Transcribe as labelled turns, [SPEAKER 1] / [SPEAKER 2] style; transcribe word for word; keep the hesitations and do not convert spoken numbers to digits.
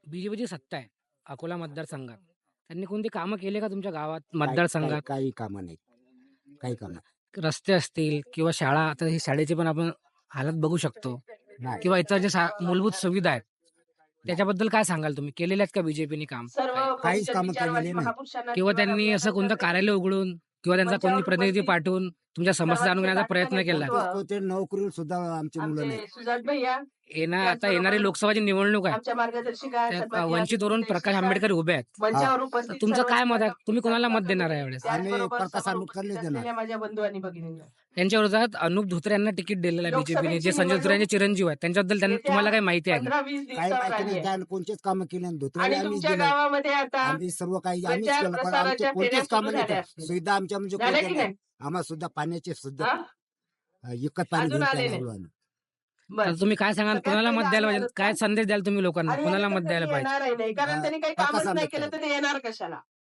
[SPEAKER 1] बीजेपीची सत्ता आहे अकोला मतदारसंघात. त्यांनी कोणती कामं केले का तुमच्या गावात,
[SPEAKER 2] काही काही
[SPEAKER 1] मतदारसंघात?
[SPEAKER 2] काही कामं नाहीत. काही कामं
[SPEAKER 1] रस्ते असतील किंवा शाळा, आता ही शाळेची पण आपण हालत बघू शकतो,
[SPEAKER 2] नाही.
[SPEAKER 1] किंवा इतर जे सा मूलभूत सुविधा आहेत, त्याच्याबद्दल काय सांगाल तुम्ही? केलेले आहेत का बीजेपीने काम?
[SPEAKER 3] सर्व
[SPEAKER 1] काय?
[SPEAKER 2] काहीच कामं
[SPEAKER 3] विचारवादी
[SPEAKER 2] केलेली नाही.
[SPEAKER 3] महापुरुषांना
[SPEAKER 1] किंवा
[SPEAKER 3] जीवन
[SPEAKER 1] त्यांनी असं कोणतं
[SPEAKER 3] अभियानांतर्गत
[SPEAKER 1] कार्यालय उघडून किंवा त्यांचा कोणी
[SPEAKER 3] मंचावर
[SPEAKER 1] प्रतिनिधी
[SPEAKER 3] उपस्थित
[SPEAKER 1] पाठवून तुमच्या समस्या जाणून
[SPEAKER 3] सर्वांचे
[SPEAKER 1] घेण्याचा प्रयत्न
[SPEAKER 3] लाडके
[SPEAKER 1] केला?
[SPEAKER 3] नेतृत्व
[SPEAKER 2] तो ते नोकरीला सुद्धा आमची मुलं नाही.
[SPEAKER 3] आमचे सुजात भैया
[SPEAKER 1] येणार आता येणारी
[SPEAKER 3] त्याचबरोबर
[SPEAKER 1] लोकसभाची निवडणूक आहे,
[SPEAKER 3] आमच्या मार्गदर्शिका
[SPEAKER 1] त्यात
[SPEAKER 3] सन्माननीय
[SPEAKER 1] वंचितवरून
[SPEAKER 3] अभिजित
[SPEAKER 1] प्रकाश
[SPEAKER 3] देशमुख
[SPEAKER 1] आंबेडकर उभे आहेत.
[SPEAKER 3] मंचावर
[SPEAKER 1] तर
[SPEAKER 3] उपस्थित
[SPEAKER 1] तुमचं
[SPEAKER 3] सर्व
[SPEAKER 1] काय मत आहे? तुम्ही कोणाला मत
[SPEAKER 3] स्पर्धक,
[SPEAKER 1] देणार आहे यावेळेस?
[SPEAKER 2] आम्ही
[SPEAKER 3] त्याचबरोबर
[SPEAKER 2] प्रकाश
[SPEAKER 3] समोर
[SPEAKER 2] आंबेडकरलाच
[SPEAKER 3] उपस्थित
[SPEAKER 2] देणार.
[SPEAKER 3] असलेल्या माझ्या बंधू आणि भगिनींना
[SPEAKER 1] त्यांच्या विरोधात अनुप धोत्रे यांना तिकीट दिलेलं आहे बीजेपीने, जे
[SPEAKER 3] लोकसभेची
[SPEAKER 1] संजय धोत्रे यांचे चिरंजीव आहेत. त्यांच्याबद्दल त्यांना
[SPEAKER 3] येत्या
[SPEAKER 1] तुम्हाला काही माहिती आहे का?
[SPEAKER 3] पंधरा वीस
[SPEAKER 2] काही
[SPEAKER 3] दिवसावर
[SPEAKER 2] माहिती
[SPEAKER 3] आली
[SPEAKER 2] नाही.
[SPEAKER 3] आहे.
[SPEAKER 2] त्यानं कोणतेच कामं केले नाही. धोत्रे
[SPEAKER 3] आणि
[SPEAKER 2] आम्हीच
[SPEAKER 3] तुमच्या
[SPEAKER 2] दिले.
[SPEAKER 3] गावामध्ये आता
[SPEAKER 2] आम्ही सर्व काही आम्हीच
[SPEAKER 3] प्रचार
[SPEAKER 2] केलं, पण आमचे
[SPEAKER 3] प्रसाराच्या फेऱ्या
[SPEAKER 2] कोणतेच
[SPEAKER 3] सुरू
[SPEAKER 2] कामं नाही
[SPEAKER 3] झाल्या
[SPEAKER 2] केलं.
[SPEAKER 3] असतील.
[SPEAKER 2] सुविधा आमच्या म्हणजे
[SPEAKER 3] झाल्या
[SPEAKER 2] कोणत्या
[SPEAKER 3] की
[SPEAKER 2] नाही.
[SPEAKER 3] नाही?
[SPEAKER 2] आम्हाला सुद्धा पाण्याचे सुद्धा
[SPEAKER 3] हा?
[SPEAKER 2] इकत पाणी
[SPEAKER 3] अजून
[SPEAKER 2] घेऊन
[SPEAKER 3] आले
[SPEAKER 2] प्यायला
[SPEAKER 3] नाही.
[SPEAKER 2] लागलो आम्ही.
[SPEAKER 3] बरं.
[SPEAKER 1] तर तुम्ही काय सांगाल,
[SPEAKER 3] सगळ्यात
[SPEAKER 1] कोणाला
[SPEAKER 3] पहिलं
[SPEAKER 1] मत द्यायला
[SPEAKER 3] आम्ही
[SPEAKER 1] पाहिजे?
[SPEAKER 3] आलो
[SPEAKER 1] काय
[SPEAKER 3] का?
[SPEAKER 1] संदेश द्याल तुम्ही लोकांना,
[SPEAKER 3] आणि
[SPEAKER 1] कोणाला
[SPEAKER 3] हे
[SPEAKER 1] मत
[SPEAKER 3] तर
[SPEAKER 1] द्यायला
[SPEAKER 3] कधी
[SPEAKER 1] पाहिजे?
[SPEAKER 3] येणारही नाही, कारण
[SPEAKER 2] हा,
[SPEAKER 3] त्यांनी काही
[SPEAKER 2] प्रकाश
[SPEAKER 3] कामच नाही
[SPEAKER 2] आंबेडकर.
[SPEAKER 3] केलं तर ते येणार कशाला?